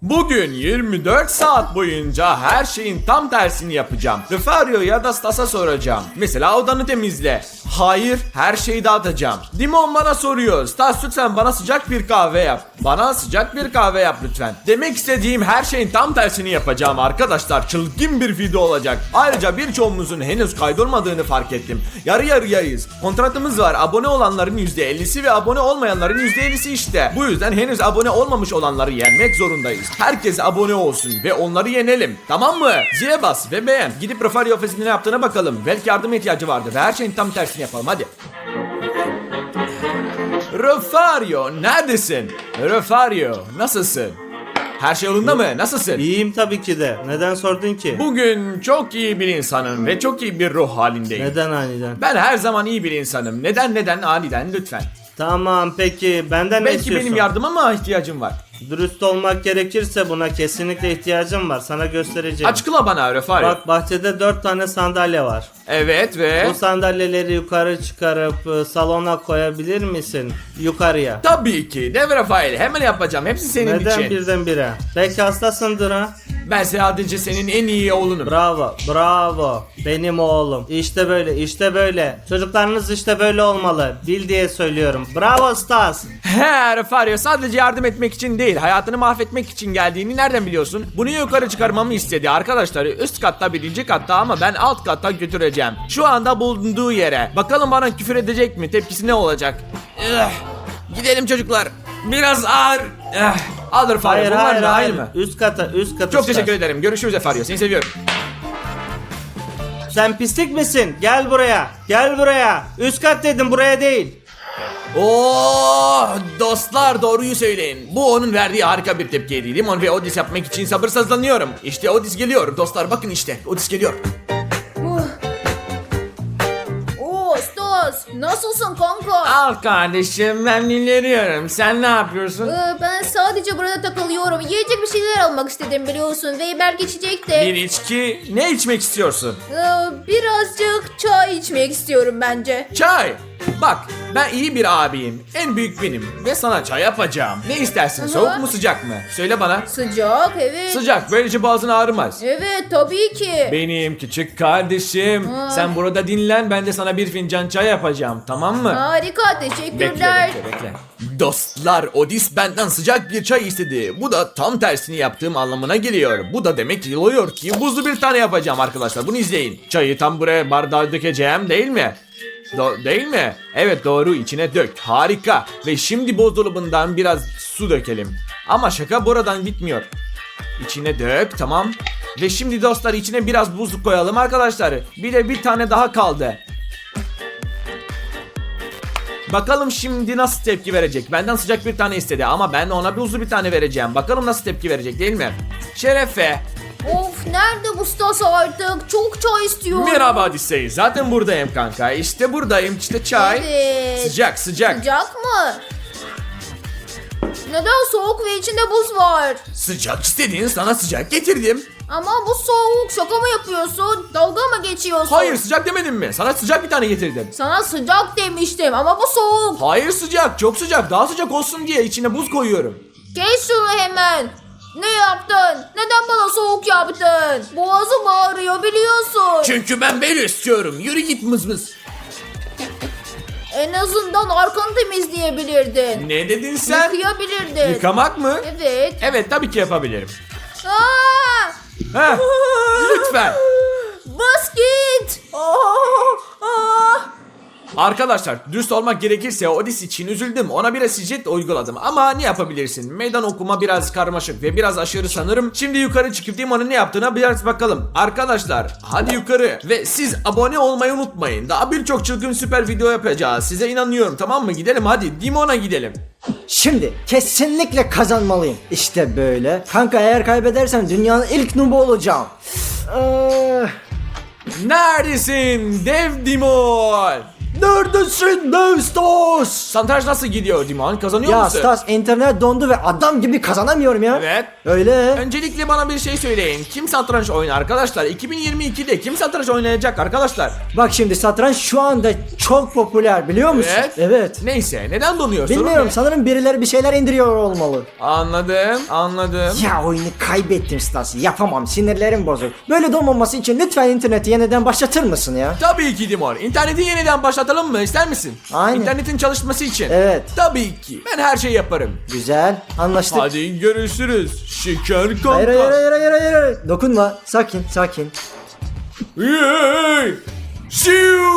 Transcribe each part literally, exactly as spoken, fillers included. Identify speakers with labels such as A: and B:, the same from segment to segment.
A: Bugün yirmi dört saat boyunca her şeyin tam tersini yapacağım. Refario ya da Stas'a soracağım. Mesela odanı temizle. Hayır, her şeyi dağıtacağım. Dimon bana soruyor. Stas lütfen bana sıcak bir kahve yap. Bana sıcak bir kahve yap lütfen. Demek istediğim her şeyin tam tersini yapacağım arkadaşlar. Çılgın bir video olacak. Ayrıca birçoğumuzun henüz kaydolmadığını fark ettim. Yarı yarıyayız. Kontratımız var. Abone olanların yüzde ellisi ve abone olmayanların yüzde ellisi işte. Bu yüzden henüz abone olmamış olanları yenmek zorundayız. Herkes abone olsun ve onları yenelim. Tamam mı? Zile bas ve beğen. Gidip Refario ofisinde ne yaptığına bakalım. Belki yardıma ihtiyacı vardı ve her şeyin tam tersini yapalım. Hadi. Refario neredesin? Refario nasılsın? Her şey yolunda mı? Nasılsın?
B: İyiyim tabii ki de. Neden sordun ki?
A: Bugün çok iyi bir insanım ve çok iyi bir ruh halindeyim.
B: Neden aniden?
A: Ben her zaman iyi bir insanım. Neden neden aniden lütfen.
B: Tamam peki benden ne
A: Belki
B: istiyorsun?
A: benim yardıma ihtiyacım var.
B: Dürüst olmak gerekirse buna kesinlikle ihtiyacım var. Sana göstereceğim.
A: Açıkla bana Refario.
B: Bak bahçede dört tane sandalye var.
A: Evet ve...
B: Bu sandalyeleri yukarı çıkarıp e, salona koyabilir misin? Yukarıya.
A: Tabii ki. Dev Rafael. Hemen yapacağım. Hepsi senin
B: Neden
A: için.
B: birdenbire? Belki hastasındır ha?
A: Ben sadece senin en iyi oğlunum.
B: Bravo, bravo. Benim oğlum. İşte böyle, işte böyle. Çocuklarınız işte böyle olmalı. Bil diye söylüyorum. Bravo Stas.
A: He Refario, sadece yardım etmek için değil, hayatını mahvetmek için geldiğini nereden biliyorsun? Bunu yukarı çıkarmamı istedi arkadaşlar. Üst katta, birinci katta, ama ben alt katta götüreceğim. Şu anda bulunduğu yere. Bakalım bana küfür edecek mi? Tepkisi ne olacak? Eh, gidelim çocuklar. Biraz ağır. Eh, al Refario.
B: Hayır,
A: Bunlar
B: hayır,
A: da
B: hayır.
A: aynı mı?
B: Üst kata, üst kata.
A: Çok
B: Stas.
A: teşekkür ederim. Görüşürüz Refario. Seni seviyorum.
B: Sen pislik misin? Gel buraya. Gel buraya. Üst kat dedim, buraya değil.
A: Oo, dostlar doğruyu söyleyin. Bu onun verdiği harika bir tepkiydi. Limon ve Odis yapmak için sabırsızlanıyorum. İşte Odis geliyor. Dostlar bakın işte. Odis geliyor.
C: Oo Stas, nasılsın kanka?
A: Al kardeşim, ben dinleniyorum. Sen ne yapıyorsun?
C: Ee, ben sadece burada takılıyorum. Yiyecek bir şeyler almak istedim biliyorsun ve belki içecek de.
A: Bir içki. Ne içmek istiyorsun?
C: Ee, birazcık çay içmek istiyorum bence.
A: Çay. Bak, ben iyi bir abiyim. En büyük benim. Ve sana çay yapacağım. Ne istersin?
C: Aha.
A: Soğuk mu sıcak mı? Söyle bana.
C: Sıcak, evet.
A: Sıcak. Böylece boğazın ağrımaz.
C: Evet, tabii ki.
A: Benim küçük kardeşim.
C: Ha.
A: Sen burada dinlen. Ben de sana bir fincan çay yapacağım. Tamam mı?
C: Harika,
A: Bekle,
C: teşekkürler.
A: bekle, bekle. Dostlar, Odis benden sıcak bir çay istedi. Bu da tam tersini yaptığım anlamına geliyor. Bu da demek oluyor ki buzlu bir tane yapacağım arkadaşlar. Bunu izleyin. Çayı tam buraya bardağa dökeceğim, değil mi? Do- değil mi? Evet, doğru, içine dök. Harika. Ve şimdi buzdolabından biraz su dökelim. Ama şaka buradan bitmiyor. İçine dök, tamam. Ve şimdi dostlar içine biraz buzluk koyalım arkadaşlar. Bir de bir tane daha kaldı. Bakalım şimdi nasıl tepki verecek. Benden sıcak bir tane istedi ama ben ona buzlu bir tane vereceğim. Bakalım nasıl tepki verecek, değil mi? Şerefe.
C: Of, nerede bu Stas artık? Çok çay istiyorum.
A: Merhaba Odisey. Zaten buradayım kanka. İşte buradayım. İşte çay.
C: Evet.
A: Sıcak sıcak.
C: Sıcak mı? Neden soğuk ve içinde buz var?
A: Sıcak istediğin, sana sıcak getirdim.
C: Ama bu soğuk, şaka mı yapıyorsun? Dalga mı geçiyorsun?
A: Hayır, sıcak demedim mi? Sana sıcak bir tane getirdim.
C: Sana sıcak demiştim ama bu soğuk.
A: Hayır, sıcak, çok sıcak. Daha sıcak olsun diye içine buz koyuyorum.
C: Geç şunu hemen. Ne yaptın? Neden bana soğuk yaptın? Boğazım ağrıyor biliyorsun.
A: Çünkü ben böyle istiyorum. Yürü git mızmız.
C: En azından arkanı temizleyebilirdin.
A: Ne dedin sen?
C: Yıkayabilirdin.
A: Yıkamak mı?
C: Evet.
A: Evet, tabii ki yapabilirim.
C: Aa!
A: Heh, lütfen.
C: Bas git. Aa! Aa!
A: Arkadaşlar, dürüst olmak gerekirse Odis için üzüldüm. Ona biraz şiddet uyguladım. Ama ne yapabilirsin? Meydan okuma biraz karmaşık ve biraz aşırı sanırım. Şimdi yukarı çıkıp Dimon'un ne yaptığına biraz bakalım. Arkadaşlar, hadi yukarı. Ve siz abone olmayı unutmayın. Daha birçok çılgın süper video yapacağız. Size inanıyorum, tamam mı? Gidelim hadi. Dimon'a gidelim.
D: Şimdi kesinlikle kazanmalıyım. İşte böyle. Kanka eğer kaybedersem dünyanın ilk noobu olacağım. Ee,
A: Neredesin dev Dimon?
D: Neredesin lan Stas?
A: Satranç nasıl gidiyor Dimon? Kazanıyor
D: Ya
A: musun?
D: Stas, internet dondu ve adam gibi kazanamıyorum ya.
A: Evet.
D: Öyle.
A: Öncelikle bana bir şey söyleyin. Kim satranç oynar arkadaşlar? iki bin yirmi ikide kim satranç oynayacak arkadaşlar?
D: Bak şimdi satranç şu anda çok popüler, biliyor musun?
A: Evet.
D: Evet.
A: Neyse, neden donuyorsun?
D: Bilmiyorum,
A: Ne?
D: sanırım birileri bir şeyler indiriyor olmalı.
A: Anladım, anladım.
D: Ya oyunu kaybettim Stas. Yapamam, sinirlerim bozuk. Böyle donmaması için lütfen interneti yeniden başlatır mısın ya?
A: Tabii ki Dimon. İnterneti yeniden başlatalım mı? İster misin?
D: Aynen.
A: İnternetin çalışması için.
D: Evet.
A: Tabii ki. Ben her şeyi yaparım.
D: Güzel, anlaştık.
A: Hadi görüşürüz. Şeker kanka.
D: Hayır hayır hayır hayır hayır hayır. Dokunma, sakin sakin.
A: Hey! Şiu!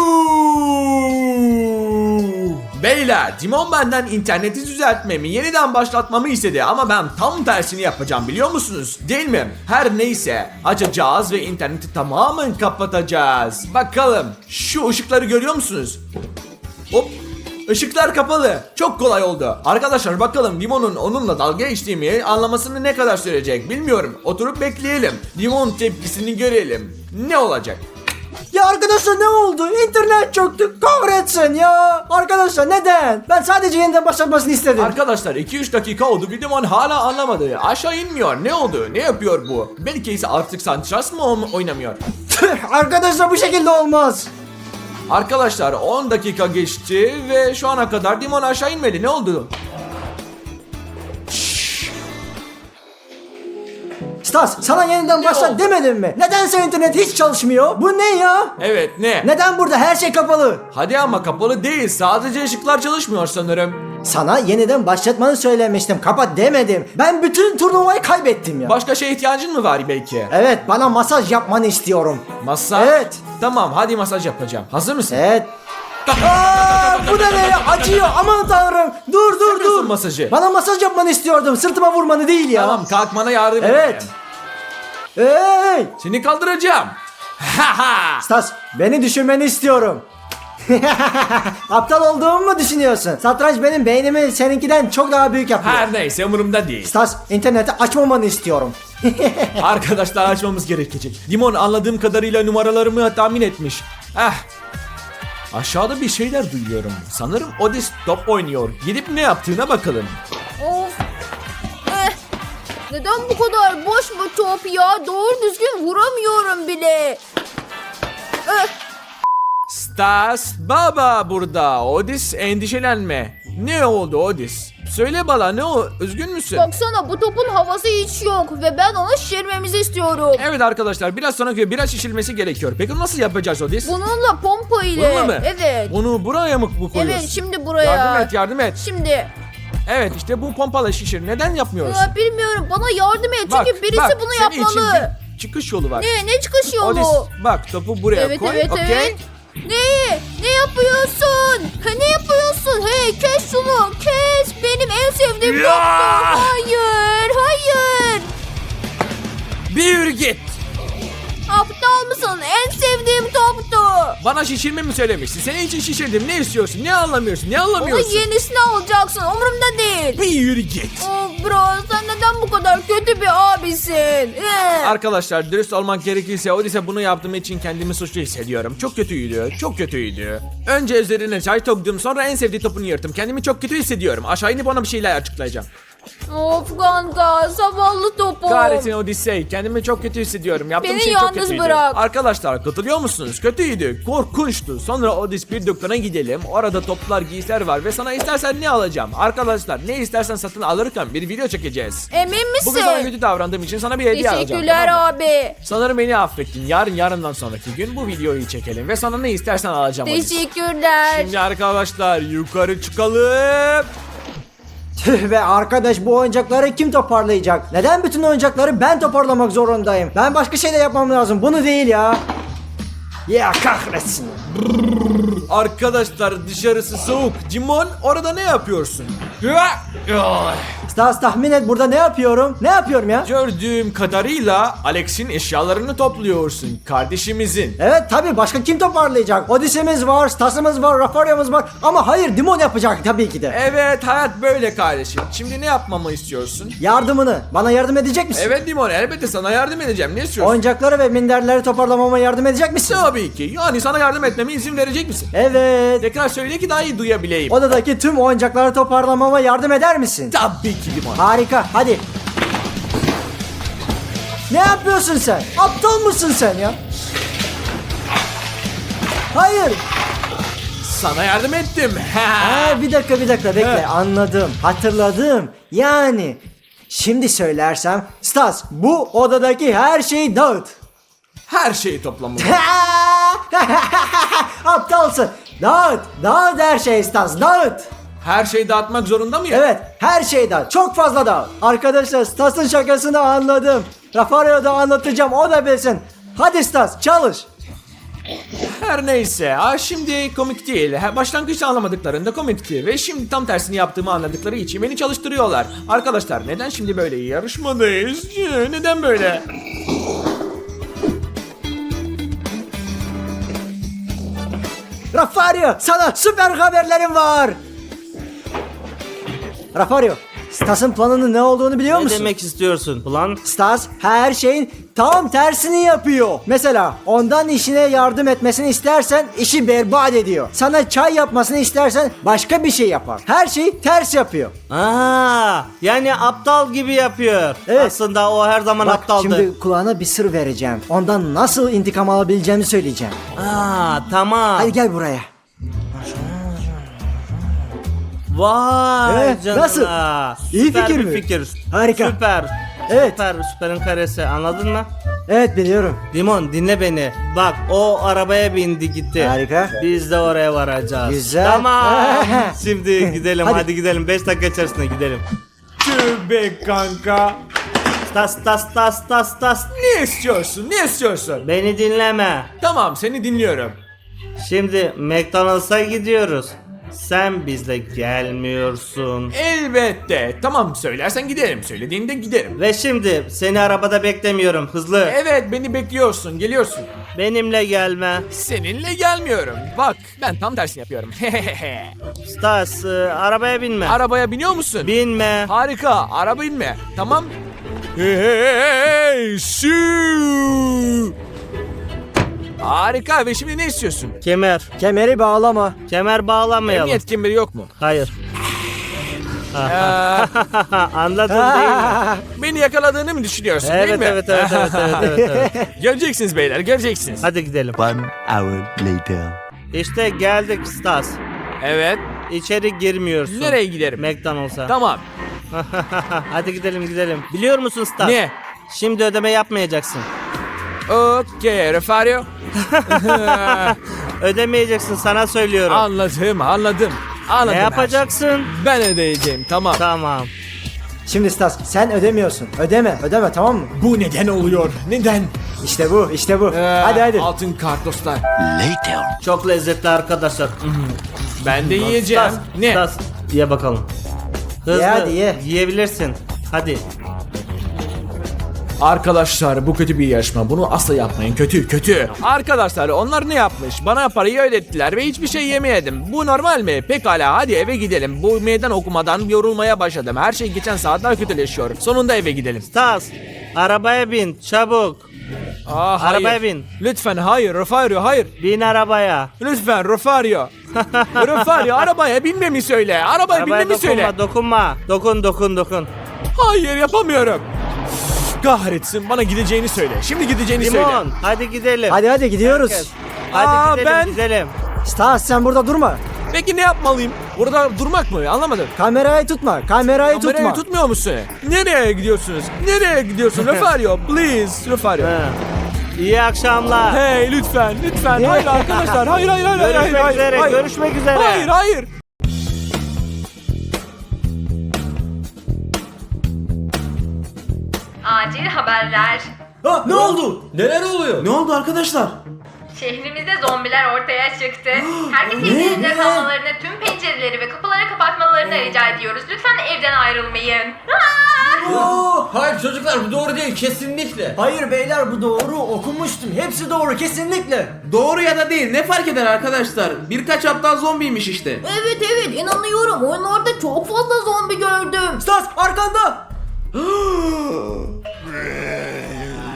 A: Beyler, Dimon benden interneti düzeltmemi, yeniden başlatmamı istedi ama ben tam tersini yapacağım, biliyor musunuz? Değil mi? Her neyse, açacağız ve interneti tamamen kapatacağız. Bakalım, şu ışıkları görüyor musunuz? Hop! Işıklar kapalı. Çok kolay oldu. Arkadaşlar bakalım Dimon'un onunla dalga geçtiğimi anlamasını ne kadar sürecek bilmiyorum. Oturup bekleyelim. Dimon tepkisini görelim. Ne olacak?
D: Ya arkadaşlar ne oldu? İnternet çöktü. Kahretsin ya. Arkadaşlar neden? Ben sadece yeniden başlatmasını istedim.
A: Arkadaşlar iki üç dakika oldu. Bir Dimon hala anlamadı. Aşağı inmiyor. Ne oldu? Ne yapıyor bu? Belki ise artık satranç mı oyn- oynamıyor?
D: Tüh, arkadaşlar bu şekilde olmaz.
A: Arkadaşlar on dakika geçti ve şu ana kadar Dimon aşağı inmedi. Ne oldu?
D: Stas, sana yeniden
A: Ne
D: başlat
A: oldu?
D: demedim mi? Nedense internet hiç çalışmıyor. Bu ne ya?
A: Evet, ne?
D: Neden burada her şey kapalı?
A: Hadi ama kapalı değil. Sadece ışıklar çalışmıyor sanırım.
D: Sana yeniden başlatmanı söylemiştim. Kapat demedim. Ben bütün turnuvayı kaybettim ya.
A: Başka şeye ihtiyacın mı var belki?
D: Evet, bana masaj yapmanı istiyorum.
A: Masaj?
D: Evet.
A: Tamam, hadi masaj yapacağım. Hazır mısın?
D: Evet. Aa, bu da ne ya? Acıyor. Aman tanrım. Dur dur
A: Yapıyorsun
D: dur.
A: masajı.
D: Bana masaj yapmanı istiyordum. Sırtıma vurmanı değil ya.
A: Tamam, kalkmana yardım
D: Evet.
A: edeceğim.
D: Hey!
A: Seni kaldıracağım. Haha.
D: Stas, beni düşünmeni istiyorum. Aptal olduğumu mu düşünüyorsun? Satranç benim beynimi seninkiden çok daha büyük yapıyor.
A: Her neyse, umurumda değil.
D: Stas, interneti açmamanı istiyorum.
A: Arkadaşlar açmamız gerekecek. Dimon anladığım kadarıyla numaralarımı tahmin etmiş. Eh. Aşağıda bir şeyler duyuyorum. Sanırım Odis top oynuyor. Gidip ne yaptığına bakalım.
C: Of. Eh. Neden bu kadar boş bu top ya? Doğru düzgün vuramıyorum bile. Eh.
A: Stas Baba burada. Odis, endişelenme. Ne oldu Odis? Söyle bana, ne o? Üzgün müsün?
C: Baksana, bu topun havası hiç yok ve ben onu şişirmemizi istiyorum.
A: Evet arkadaşlar, biraz sonra göre biraz şişilmesi gerekiyor. Peki nasıl yapacağız Odis?
C: Bununla pompa ile.
A: Bununla mı?
C: Evet.
A: Bunu buraya mı bu koyuyorsun?
C: Evet, şimdi buraya.
A: Yardım et, yardım et.
C: Şimdi.
A: Evet, işte bu pompala şişir. Neden yapmıyorsun?
C: Ya bilmiyorum, bana yardım et
A: Bak,
C: çünkü birisi
A: bak,
C: bunu
A: senin için
C: yapmalı.
A: bir çıkış yolu var.
C: Ne ne çıkış yolu?
A: Odis, bak topu buraya
C: Evet
A: koy.
C: evet
A: okey?
C: evet. Ne? Ne yapıyorsun? Ha, ne yapıyorsun? Hey, kes şunu. Kes. Benim en sevdiğim
A: Ya!
C: toptu. Hayır. Hayır.
A: Bir yürü git.
C: Aptal mısın? En sevdiğim toptu.
A: Bana şişirme mi söylemiştin? Senin için şişirdim. Ne istiyorsun? Ne anlamıyorsun? Ne
C: Onun
A: anlamıyorsun?
C: yenisini alacaksın. Umurumda değil.
A: Bir yürü git.
C: Oh bro, sen neden bu kadar kötü bir abisin? Eh.
A: Arkadaşlar dürüst olmak gerekirse Odis'e bunu yaptığım için kendimi suçlu hissediyorum. Çok kötüydü. Çok kötüydü. Önce üzerine çay döktüm, sonra en sevdiği topunu yırttım. Kendimi çok kötü hissediyorum. Aşağı inip ona bir şeyler açıklayacağım.
C: Of kanka, zavallı topum.
A: Kahretsin Odisey. Kendimi çok kötü hissediyorum. Yaptığım
C: Beni
A: şey çok
C: yalnız
A: kötüydü.
C: bırak.
A: Arkadaşlar katılıyor musunuz? Kötüydü. Korkunçtu. Sonra Odis bir dükkana gidelim. Orada toplar, giysiler var ve sana istersen ne alacağım? Arkadaşlar ne istersen satın alırken bir video çekeceğiz.
C: Emin misin?
A: Bugün sana kötü davrandığım için sana bir hediye alacağım.
C: Teşekkürler
A: tamam mı?
C: abi.
A: Sanırım beni affettin. Yarın yarından sonraki gün bu videoyu çekelim ve sana ne istersen alacağım Odis.
C: Teşekkürler.
A: Şimdi arkadaşlar yukarı çıkalım.
D: Tüh be arkadaş, bu oyuncakları kim toparlayacak? Neden bütün oyuncakları ben toparlamak zorundayım? Ben başka şey de yapmam lazım. Bunu değil ya. Ya kahretsin.
A: Arkadaşlar dışarısı soğuk. Cimon orada ne yapıyorsun?
D: Stas, tahmin et burada ne yapıyorum? Ne yapıyorum ya?
A: Gördüğüm kadarıyla Alex'in eşyalarını topluyorsun. Kardeşimizin.
D: Evet tabii, başka kim toparlayacak? Odisemiz var, Stas'ımız var, Rafarya'mız var. Ama hayır, Dimon yapacak tabii ki de.
A: Evet, hayat böyle kardeşim. Şimdi ne yapmamı istiyorsun?
D: Yardımını. Bana yardım edecek misin?
A: Evet Dimon, elbette sana yardım edeceğim. Ne istiyorsun?
D: Oyuncakları ve minderleri toparlamama yardım edecek misin?
A: Tabii ki. Yani sana yardım etmeme izin verecek misin?
D: Evet.
A: Tekrar söyle ki daha iyi duyabileyim.
D: Odadaki tüm oyuncakları toparlamama yardım eder misin?
A: Tabii ki Limon.
D: Harika, hadi. Ne yapıyorsun sen? Aptal mısın sen ya? Hayır.
A: Sana yardım ettim.
D: Aa, bir dakika bir dakika bekle,
A: He.
D: anladım, hatırladım. Yani şimdi söylersem, Stas bu odadaki her şeyi dağıt.
A: Her şeyi toplamam.
D: Aptalsın. Dağıt, dağıt her şeyi Stas, dağıt.
A: Her şeyi dağıtmak zorunda mıyım?
D: Evet, her şey dağıt, çok fazla dağıt. Arkadaşlar Stas'ın şakasını anladım. Rafario'ya da anlatacağım, o da bilsin. Hadi Stas, çalış.
A: Her neyse. Ha, şimdi komik değil. Ha, başlangıçta anlamadıklarında komikti. Ve şimdi tam tersini yaptığımı anladıkları için beni çalıştırıyorlar. Arkadaşlar neden şimdi böyle yarışmadayız? Ee, Neden böyle?
D: Rafario, sana süper haberlerim var. Rafario, Stas'ın planının ne olduğunu biliyor
B: Ne
D: musun?
B: demek istiyorsun? Ulan
D: Stas her şeyin tam tersini yapıyor. Mesela ondan işine yardım etmesini istersen işi berbat ediyor. Sana çay yapmasını istersen başka bir şey yapar. Her şeyi ters yapıyor.
B: Aa, yani aptal gibi yapıyor.
D: Evet.
B: Aslında o her zaman
D: Bak
B: aptaldı.
D: şimdi kulağına bir sır vereceğim. Ondan nasıl intikam alabileceğimi söyleyeceğim.
B: Aa, tamam.
D: Hadi gel buraya.
B: Vay
D: Evet,
B: canına.
D: nasıl? İyi
B: Süper
D: fikir
B: bir
D: mi?
B: fikir.
D: Harika.
B: Süper.
D: Evet.
B: Süper, süperin karesi, anladın mı?
D: Evet biliyorum.
B: Limon dinle beni. Bak o arabaya bindi gitti.
D: Harika.
B: Biz de oraya varacağız.
D: Güzel.
B: Tamam. Şimdi gidelim
D: Hadi.
B: hadi, gidelim. beş dakika içerisinde gidelim.
A: Tüh be kanka.
B: Tas tas tas tas tas.
A: Ne istiyorsun? Ne istiyorsun?
B: Beni dinleme.
A: Tamam seni dinliyorum.
B: Şimdi McDonald's'a gidiyoruz. Sen bizle gelmiyorsun.
A: Elbette. Tamam söylersen giderim. Söylediğinde giderim.
B: Ve şimdi seni arabada beklemiyorum. Hızlı.
A: Evet beni bekliyorsun. Geliyorsun.
B: Benimle gelme.
A: Seninle gelmiyorum. Bak ben tam tersini yapıyorum.
B: Stas, e, arabaya binme.
A: Arabaya biniyor musun?
B: Binme.
A: Harika. Araba inme. Tamam. Hey, hey, hey, hey, shoo. Harika ve şimdi ne istiyorsun?
B: Kemer.
D: Kemeri bağlama.
B: Kemer bağlamayalım.
A: Emniyet kemeri yok mu?
B: Hayır.
A: Ee,
B: Anladın değil mi?
A: beni yakaladığını mı düşünüyorsun değil
B: Evet,
A: mi?
B: evet, evet, evet, evet, evet, evet.
A: Göreceksiniz beyler göreceksiniz.
B: Hadi gidelim.
E: One hour later.
B: İşte geldik Stas.
A: Evet.
B: İçeri girmiyorsun.
A: Nereye giderim?
B: McDonald's'a.
A: Tamam.
B: Hadi gidelim gidelim. Biliyor musun Stas?
A: Ne?
B: Şimdi ödeme yapmayacaksın.
A: Okey Refario.
B: Ödemeyeceksin, sana söylüyorum.
A: Anladım anladım. Anladım.
B: Ne
A: her
B: yapacaksın?
A: şeyi. Ben ödeyeceğim tamam.
B: Tamam.
D: Şimdi Stas sen ödemiyorsun. Ödeme, ödeme tamam mı?
A: Bu neden oluyor? Neden?
D: İşte bu, işte bu.
A: Ee,
D: hadi hadi.
A: Altın kart dostlar.
E: Later.
B: Çok lezzetli arkadaşlar.
A: Ben de yiyeceğim.
B: Stas,
A: Ne?
B: Stas, ye bakalım. Hızlı.
D: Ye hadi, ye.
B: Yiyebilirsin. Hadi.
A: Arkadaşlar bu kötü bir yarışma. Bunu asla yapmayın. Kötü kötü. Arkadaşlar onlar ne yapmış? Bana parayı ödettiler ve hiçbir şey yemeyedim. Bu normal mi? Pekala hadi eve gidelim. Bu meydan okumadan yorulmaya başladım. Her şey geçen saat daha kötüleşiyor. Sonunda eve gidelim.
B: Stas, arabaya bin çabuk.
A: Aa, hayır.
B: Arabaya bin.
A: Lütfen hayır Refario hayır.
B: Bin arabaya.
A: Lütfen Refario. Refario arabaya binmemi söyle. Arabaya,
B: Arabaya
A: binmemi
B: dokunma,
A: söyle.
B: dokunma. Dokun, dokun, dokun.
A: Hayır yapamıyorum. Kahretsin bana gideceğini söyle. Şimdi gideceğini söyle.
B: Limon, hadi gidelim.
D: Hadi hadi gidiyoruz.
B: Herkes. Hadi
A: Aa,
B: gidelim,
A: ben-
B: gidelim.
D: Stas sen burada durma.
A: Peki ne yapmalıyım? Burada durmak mı? Anlamadım.
D: Kamerayı tutma, kamerayı tutma.
A: Kamerayı tutmuyor musun? Nereye gidiyorsunuz? Nereye gidiyorsun? Refario, please. Refario.
B: Ha. İyi akşamlar.
A: Hey lütfen, lütfen. Hayır arkadaşlar. Hayır, hayır, hayır, hayır,
B: Görüşmek
A: hayır,
B: üzere,
A: hayır.
B: görüşmek üzere.
A: Hayır, hayır.
F: Acil haberler.
G: Ne oldu? Neler oluyor? Ne oldu arkadaşlar?
F: Şehrimizde zombiler ortaya çıktı. Herkes evlerinde kalmalarını, tüm pencereleri ve kapıları kapatmalarını rica ediyoruz. Lütfen evden ayrılmayın. Aa!
G: Hayır çocuklar bu doğru değil kesinlikle.
D: Hayır beyler bu doğru, okumuştum. Hepsi doğru kesinlikle.
G: Doğru ya da değil ne fark eder arkadaşlar? Birkaç aptal zombiymiş işte.
C: Evet evet inanıyorum. Oyunlarda çok fazla zombi gördüm.
D: Stas arkanda.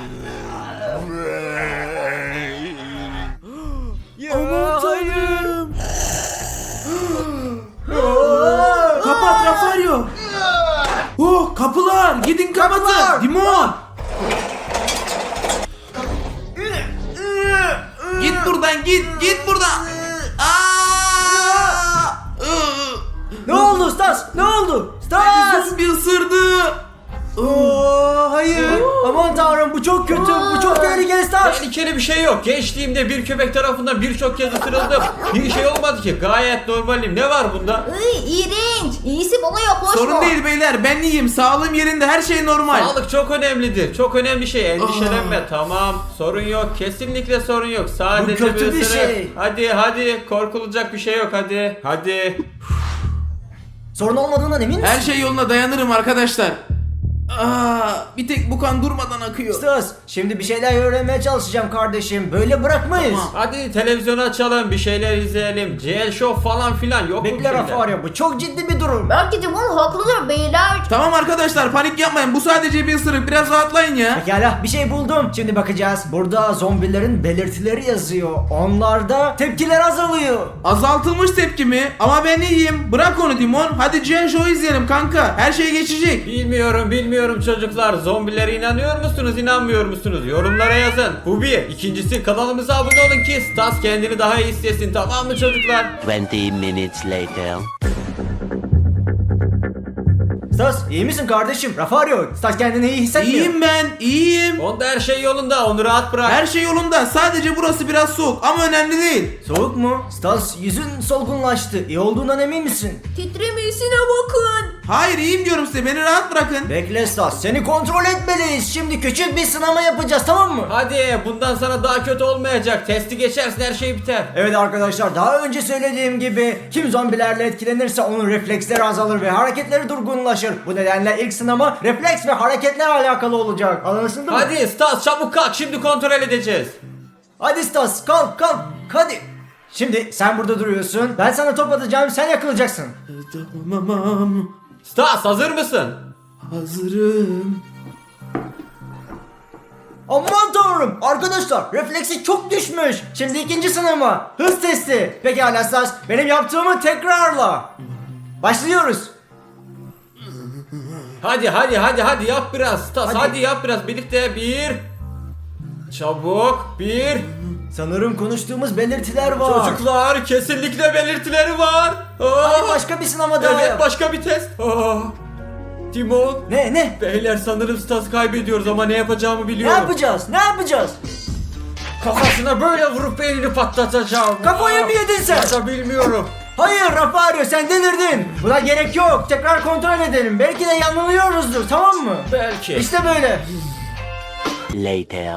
A: Aman hayır.
G: Git git buradan. Aa!
D: Ne oldu Stas? Ne oldu?
G: Beni
D: Stas!
G: zombi ısırdı.
D: Oo, hayır. Aman tanrım bu çok kötü. Bu çok tehlikeli Stas.
A: Tehlikeli bir şey yok. Gençliğimde bir köpek tarafından birçok kez ısırıldım. Bir şey olmadı ki. Gayet normalim. Ne var bunda?
C: Iy, iğrenç. İyisi bana yaklaşma.
G: Sorun değil beyler, ben iyiyim. Sağlığım yerinde, her şey normal.
A: Sağlık çok önemlidir. Çok önemli şey. Endişelenme. Tamam. Sorun yok. Kesinlikle sorun yok. Sadece
D: Bu kötü bir
A: ısırık.
D: şey.
A: Hadi hadi. Korkulacak bir şey yok. Hadi. Hadi.
D: Sorun olmadığından emin misin?
G: Her şey yoluna, dayanırım arkadaşlar. Aa, bir tek bu kan durmadan akıyor.
D: Stas, şimdi bir şeyler öğrenmeye çalışacağım kardeşim. Böyle bırakmayız.
G: Tamam.
A: Hadi televizyonu açalım. Bir şeyler izleyelim. C L Show falan filan. Yok mu bir
D: Bekle
A: şeyler?
D: Rafario, bu çok ciddi bir durum.
C: Belki de bunun haklıdır beyler.
G: Tamam arkadaşlar, panik yapmayın. Bu sadece bir ısırık. Biraz rahatlayın ya.
D: Pekala, bir şey buldum. Şimdi bakacağız. Burada zombilerin belirtileri yazıyor. Onlarda tepkiler azalıyor.
G: Azaltılmış tepki mi? Ama ben iyiyim. Bırak onu Dimon. Hadi Gen Show izleyelim kanka. Her şey geçecek.
A: Bilmiyorum bilmiyorum çocuklar. Zombilere inanıyor musunuz inanmıyor musunuz? Yorumlara yazın. Bu bir. İkincisi kanalımıza abone olun ki Stas kendini daha iyi hissetsin, tamam mı çocuklar?
E: Twenty minutes later.
D: Stas, iyi misin kardeşim? Rafario, Stas kendini iyi hissetmiyor.
G: İyiyim ben. iyiyim.
A: Onda her şey yolunda, onu rahat bırak.
G: Her şey yolunda. Sadece burası biraz soğuk ama önemli değil.
D: Soğuk mu? Stas, yüzün solgunlaştı. İyi olduğundan emin misin?
C: Titremesine bakın.
G: Hayır, iyiyim diyorum size. Beni rahat bırakın.
D: Bekle Stas, seni kontrol etmeliyiz. Şimdi küçük bir sınama yapacağız, tamam mı?
A: Hadi bundan sana daha kötü olmayacak. Testi geçersin, her şey biter.
D: Evet arkadaşlar, daha önce söylediğim gibi kim zombilerle etkilenirse onun refleksleri azalır ve hareketleri durgunlaşır. Bu nedenle ilk sınama refleks ve hareketler alakalı olacak. Anlaşıldı mı?
A: Hadi Stas çabuk kalk, şimdi kontrol edeceğiz.
D: Hadi Stas, kalk kalk hadi. Şimdi sen burada duruyorsun. Ben sana top atacağım, sen yakılacaksın.
G: Tamam.
A: Stas hazır mısın?
G: Hazırım.
D: Aman tanrım, arkadaşlar refleksi çok düşmüş. Şimdi ikinci sınama, hız testi. Pekala Stas, benim yaptığımı tekrarla. Başlıyoruz.
A: Hadi hadi hadi hadi yap biraz Stas,
D: Hadi.
A: hadi, yap biraz birlikte. Bir. Çabuk. Bir.
D: Sanırım konuştuğumuz belirtiler var.
A: Çocuklar kesinlikle belirtileri var. Aa,
D: Hadi başka bir sınama daha
A: evet
D: yap.
A: başka bir test. Aa, Timon.
D: Ne ne?
A: Beyler sanırım Stas kaybediyoruz ama ne yapacağımı
D: Ne
A: biliyorum.
D: yapacağız? Ne yapacağız?
A: Kafasına böyle vurup beynini patlatacağım.
D: Kafayı mı yedin sen?
A: Ya da bilmiyorum.
D: Hayır Rafario, sen delirdin. Buna gerek yok. Tekrar kontrol edelim. Belki de yanılıyoruzdur, tamam mı?
A: Belki.
D: İşte böyle.
E: Later.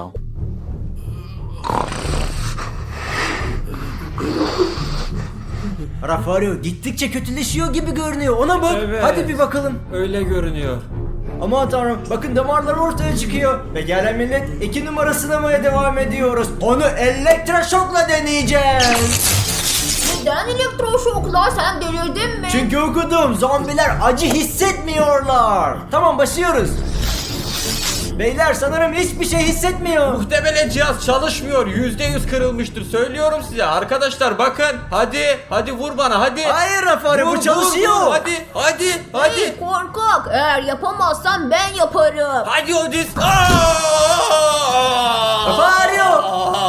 D: Rafario gittikçe kötüleşiyor gibi görünüyor. Ona bak.
A: Evet.
D: Hadi bir bakalım.
A: Öyle görünüyor.
D: Aman tanrım, bakın damarlar ortaya çıkıyor. Ve gelen millet iki numara sınamaya devam ediyoruz. Onu elektroşokla deneyeceğiz.
C: Neden elektroşoklar, sen delirdin mi?
D: Çünkü okudum, zombiler acı hissetmiyorlar. Tamam, başlıyoruz. Beyler sanırım hiçbir şey hissetmiyor.
A: Muhtemelen cihaz çalışmıyor. Yüzde yüz kırılmıştır. Söylüyorum size. Arkadaşlar bakın. Hadi. Hadi vur bana hadi.
D: Hayır Rafario,
A: Vur,
D: bu
A: vur,
D: çalışıyor.
A: vur. Hadi. Hadi.
C: Hey
A: Hadi.
C: korkak, eğer yapamazsan ben yaparım.
A: Hadi Odis.
D: Rafario!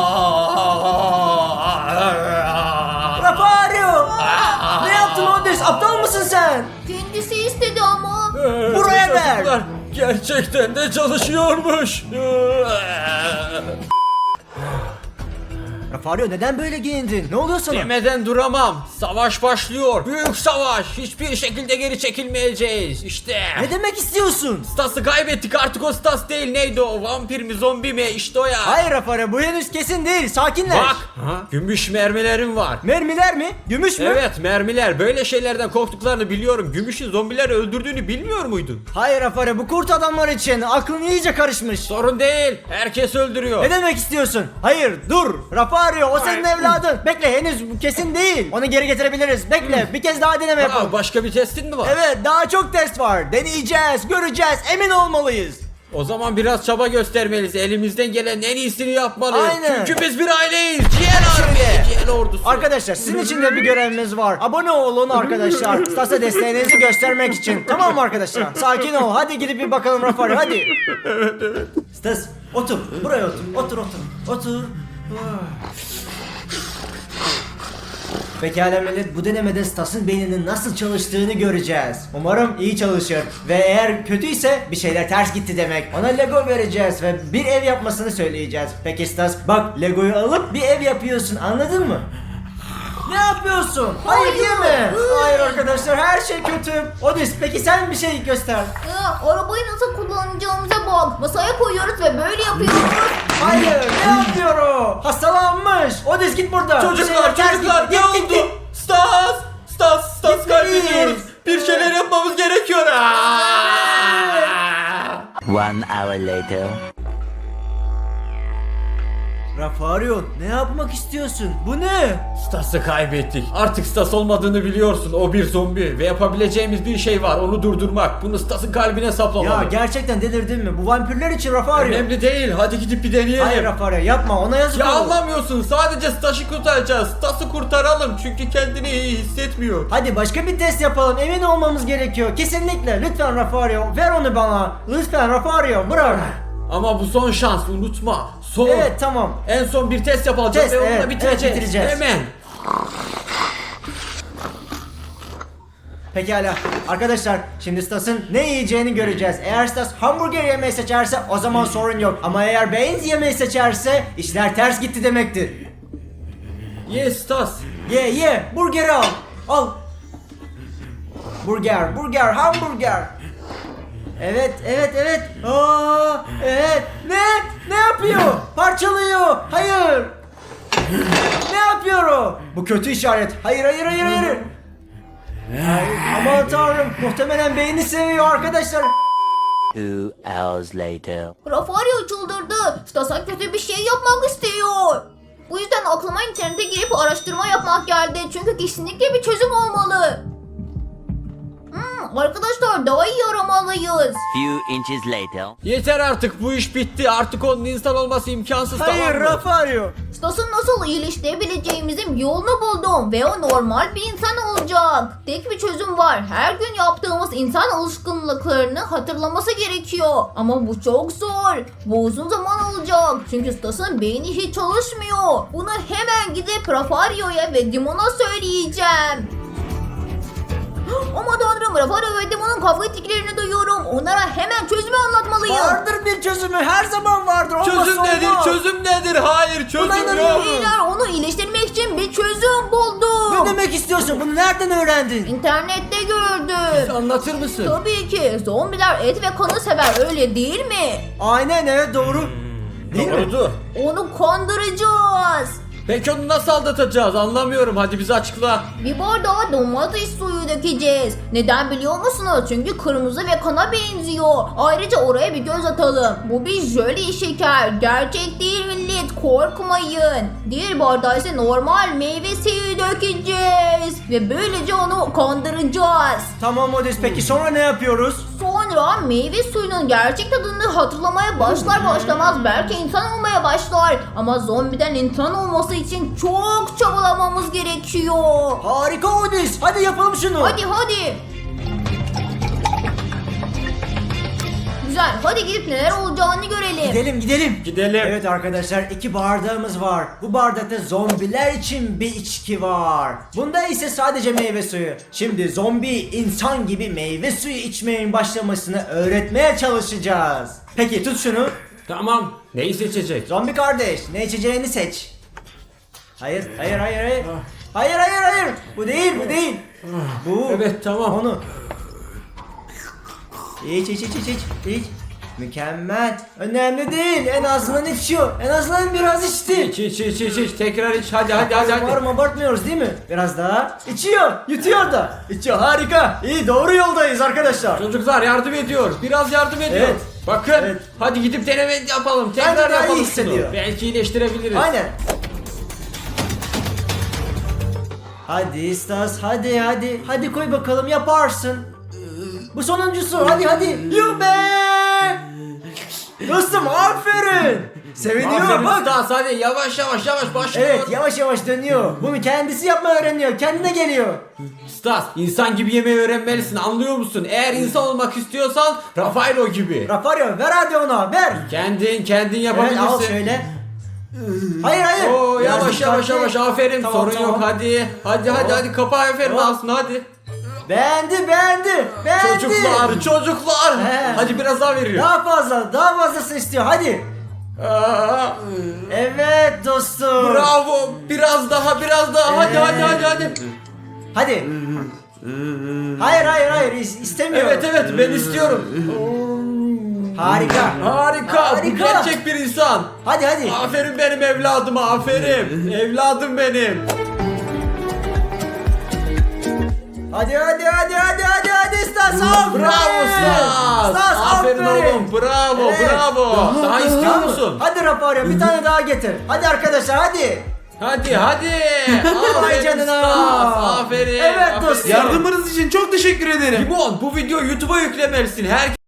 D: Rafario! Ne yaptın Odis? Aptal mısın sen?
C: Kendisi istedi ama.
D: Buraya ver.
A: Çocuklar, gerçekten de çalışıyormuş.
D: Rafario neden böyle giyindin? Ne oluyor sana?
A: Demeden duramam. Savaş başlıyor. Büyük savaş. Hiçbir şekilde geri çekilmeyeceğiz. İşte.
D: Ne demek istiyorsun?
A: Stas'ı kaybettik. Artık o Stas değil. Neydi o? Vampir mi? Zombi mi? İşte o ya.
D: Hayır Rafario, bu henüz kesin değil. Sakinleş.
A: Bak. Gümüş mermilerim var.
D: Mermiler mi? Gümüş mü?
A: Evet mermiler. Böyle şeylerden korktuklarını biliyorum. Gümüşün zombileri öldürdüğünü bilmiyor muydun?
D: Hayır Rafario, bu kurt adamlar için aklın iyice karışmış.
A: Sorun değil. Herkes öldürüyor.
D: Ne demek istiyorsun? Hayır dur. Rafario, o senin
A: Hayır.
D: evladın. Bekle, henüz bu kesin değil. Onu geri getirebiliriz. Bekle, bir kez daha deneme yapalım.
A: Aa, başka bir testin mi var?
D: Evet, daha çok test var. Deneyeceğiz, göreceğiz, emin olmalıyız.
A: O zaman biraz çaba göstermeliyiz. Elimizden gelen en iyisini yapmalıyız.
D: Aynen.
A: Çünkü biz bir aileyiz. Ciğer army. Ciğer ordusu.
D: Arkadaşlar, sizin için de bir görevimiz var. Abone olun arkadaşlar. Stas'a desteğinizi göstermek için. Tamam mı arkadaşlar? Sakin ol. Hadi gidip bir bakalım Rafario, hadi. Evet evet. Stas, otur. Buraya otur. Otur otur. Otur. Pekala millet, bu denemede Stas'ın beyninin nasıl çalıştığını göreceğiz. Umarım iyi çalışır. Ve eğer kötüyse bir şeyler ters gitti demek. Ona Lego vereceğiz ve bir ev yapmasını söyleyeceğiz. Peki Stas, bak Lego'yu alıp bir ev yapıyorsun, anladın mı? Ne yapıyorsun? Hayır değil mi? Hayır arkadaşlar, her şey kötü. Odis, peki sen bir şey göster.
C: Ya, arabayı nasıl kullanacağımıza bak. Masaya koyuyoruz ve böyle yapıyoruz.
D: Hayır, ne yapıyor o? Hastalanmış. Odis git buradan.
A: Çocuklar,
D: Ters
A: çocuklar
D: gitti.
A: ne
D: Git, git,
A: oldu?
D: git.
A: Stas! Stas, Stas
D: Gitmeliyiz.
A: kaybediyoruz. Bir şeyler yapmamız gerekiyor. Aa!
E: One hour later.
D: Rafario, ne yapmak istiyorsun? Bu ne?
A: Stas'ı kaybettik. Artık Stas olmadığını biliyorsun. O bir zombi ve yapabileceğimiz bir şey var. Onu durdurmak. Bunu Stas'ın kalbine saplamalı.
D: Ya gerçekten delirdin mi? Bu vampirler için Rafario.
A: Önemli değil. Hadi gidip bir deneyelim.
D: Hayır Rafario, yapma, ona yazık
A: Ya
D: olur.
A: anlamıyorsun. Sadece Stas'ı kurtaracağız. Stas'ı kurtaralım. Çünkü kendini iyi hissetmiyor.
D: Hadi başka bir test yapalım, emin olmamız gerekiyor. Kesinlikle, lütfen Rafario, ver onu bana. Lütfen Rafario, bırak.
A: Ama bu son şans. Unutma. Son.
D: Evet, tamam.
A: En son bir test yapacağız
D: Test,
A: ve onunla
D: evet,
A: bitireceğiz.
D: evet, bitireceğiz.
A: Hemen.
D: Pekala arkadaşlar, şimdi Stas'ın ne yiyeceğini göreceğiz. Eğer Stas hamburger yemeyi seçerse o zaman sorun yok. Ama eğer beans yemeyi seçerse işler ters gitti demektir.
A: Yes Stas.
D: Ye ye, burgeri al. Al. Burger, burger, hamburger. Evet, evet, evet. Aa, evet. Ne? Ne yapıyor? Parçalıyor. Hayır. Ne yapıyor o? Bu kötü işaret. Hayır, hayır, hayır, hayır. Ay, aman tanrım, muhtemelen beyni seviyor arkadaşlar.
E: Two hours later.
C: Rafario çıldırdı. Stas'a kötü bir şey yapmak istiyor. Bu yüzden aklıma internete girip araştırma yapmak geldi. Çünkü kesinlikle bir çözüm olmalı. Hmm, arkadaşlar daha iyi aramalıyız.
E: Few inches later.
A: Yeter artık, bu iş bitti. Artık onun insan olması imkansız.
D: Hayır,
A: tamam mı?
D: Rafario.
C: Stas'ın nasıl iyileştirebileceğimizin yolunu buldum ve o normal bir insan olacak. Tek bir çözüm var. Her gün yaptığımız insan alışkanlıklarını hatırlaması gerekiyor. Ama bu çok zor. Bu uzun zaman alacak. Çünkü Stas'ın beyni hiç çalışmıyor. Bunu hemen gidip Rafario'ya ve Dimon'a söyleyeceğim. Aman tanrım, Rafario ve Dimon'un kavga ettiklerini duyuyorum. Onlara hemen çözümü anlatmalıyım.
D: Vardır bir çözümü, her zaman vardır. Olmazsa
A: Çözüm nedir?
D: olmaz.
A: Çözüm nedir? Hayır,
D: Buna
A: çözüm yok.
D: inanıyorum.
C: Beyler, onu iyileştirmek için bir çözüm buldum.
D: Ne demek istiyorsun? Bunu nereden öğrendin?
C: İnternette gördüm.
A: Anlatır mısın?
C: Tabii ki. Zombiler et ve kanı sever, öyle değil mi?
D: Aynen, evet, doğru. Değil mi?
A: Doğrudur.
C: Onu kandıracağız.
A: Peki onu nasıl aldatacağız? Anlamıyorum. Hadi bize açıkla.
C: Bir bardağa domates suyu dökeceğiz. Neden biliyor musunuz? Çünkü kırmızı ve kana benziyor. Ayrıca oraya bir göz atalım. Bu bir jöle şeker. Gerçek değil millet. Korkmayın. Diğer bardağa ise normal meyve suyu dökeceğiz. Ve böylece onu kandıracağız.
D: Tamam Odis, peki sonra ne yapıyoruz?
C: Sonra meyve suyunun gerçek tadını hatırlamaya başlar başlamaz belki insan olmaya başlar. Ama zombiden insan olması için çok çabalamamız gerekiyor.
D: Harika Odis, hadi yapalım şunu.
C: Hadi hadi. Güzel, hadi gidip neler olacağını görelim.
D: Gidelim gidelim.
A: Gidelim.
D: Evet arkadaşlar, iki bardağımız var. Bu bardakta zombiler için bir içki var. Bunda ise sadece meyve suyu. Şimdi zombi insan gibi meyve suyu içmeyin başlamasını öğretmeye çalışacağız. Peki tut şunu.
A: Tamam. Neyi seçecek?
D: Zombi kardeş, ne içeceğini seç. Hayır, hayır, hayır, hayır. Hayır, hayır, hayır. Bu değil, bu değil. Bu.
A: Evet, tamam.
D: Onu. İç, iç, iç, iç, iç, iç. Mükemmel. Önemli değil. En azından içiyor. En azından biraz içti.
A: İç iç iç iç iç. Tekrar iç. Hadi hadi hadi hadi.
D: Umarım abartmıyoruz değil mi? Biraz daha. İçiyor. Yutuyor da. İçiyor. Harika. İyi, doğru yoldayız arkadaşlar.
A: Çocuklar yardım ediyor. Biraz yardım ediyor.
D: Evet.
A: Bakın.
D: Evet.
A: Hadi gidip deneme yapalım.
D: Bence
A: Tekrar
D: daha iyi
A: yapalım şunu.
D: hissediyor.
A: Belki iyileştirebiliriz.
D: Aynen. Hadi Stas, hadi hadi. Hadi koy bakalım, yaparsın. Bu sonuncusu. Hadi hadi. Yuh be! Dostum aferin. Seviniyor
A: Aferin
D: bak.
A: Stas, hadi yavaş yavaş yavaş başlıyor.
D: Evet, yavaş yavaş dönüyor. Bunu kendisi yapmayı öğreniyor. Kendine geliyor.
A: Stas, insan gibi yemeği öğrenmelisin, anlıyor musun? Eğer insan olmak istiyorsan Rafaelo gibi.
D: Rafario, ver hadi ona, ver.
A: Kendin kendin
D: Evet,
A: yapabilirsin.
D: al şöyle. Hayır hayır.
A: Oo,
D: Biraz
A: yavaş yavaş
D: dikkatli.
A: yavaş aferin
D: Tamam,
A: sorun
D: tamam.
A: yok hadi. Hadi hadi hadi kapa aferin
D: Tamam.
A: aslında hadi.
D: Beğendi beğendi. Beğendi.
A: Çocuklar çocuklar.
D: He.
A: Hadi biraz daha veriyor.
D: Daha fazla daha fazlasını istiyor hadi.
A: Aa,
D: Evet dostum.
A: bravo biraz daha biraz daha hadi hadi hadi hadi.
D: Hadi. Hayır hayır hayır is- istemiyorum.
A: Evet evet ben istiyorum.
D: Harika.
A: Harika, bu
D: Harika.
A: gerçek bir insan.
D: Hadi hadi.
A: Aferin benim evladıma aferin. Evladım benim.
D: Hadi hadi hadi hadi hadi hadi Stas. Aferin.
A: Bravo Stas.
D: Stas
A: Aferin oğlum bravo
D: Evet.
A: bravo. Daha istiyor
D: Tamam.
A: musun?
D: Hadi Rafario bir tane daha getir. Hadi arkadaşlar hadi.
A: Hadi hadi.
D: Vay
A: Aferin
D: canına.
A: Stas. Aferin.
D: Evet
A: aferin.
D: dostum.
G: Yardımınız için çok teşekkür ederim.
A: Limon bu videoyu YouTube'a yüklemelisin. Herkes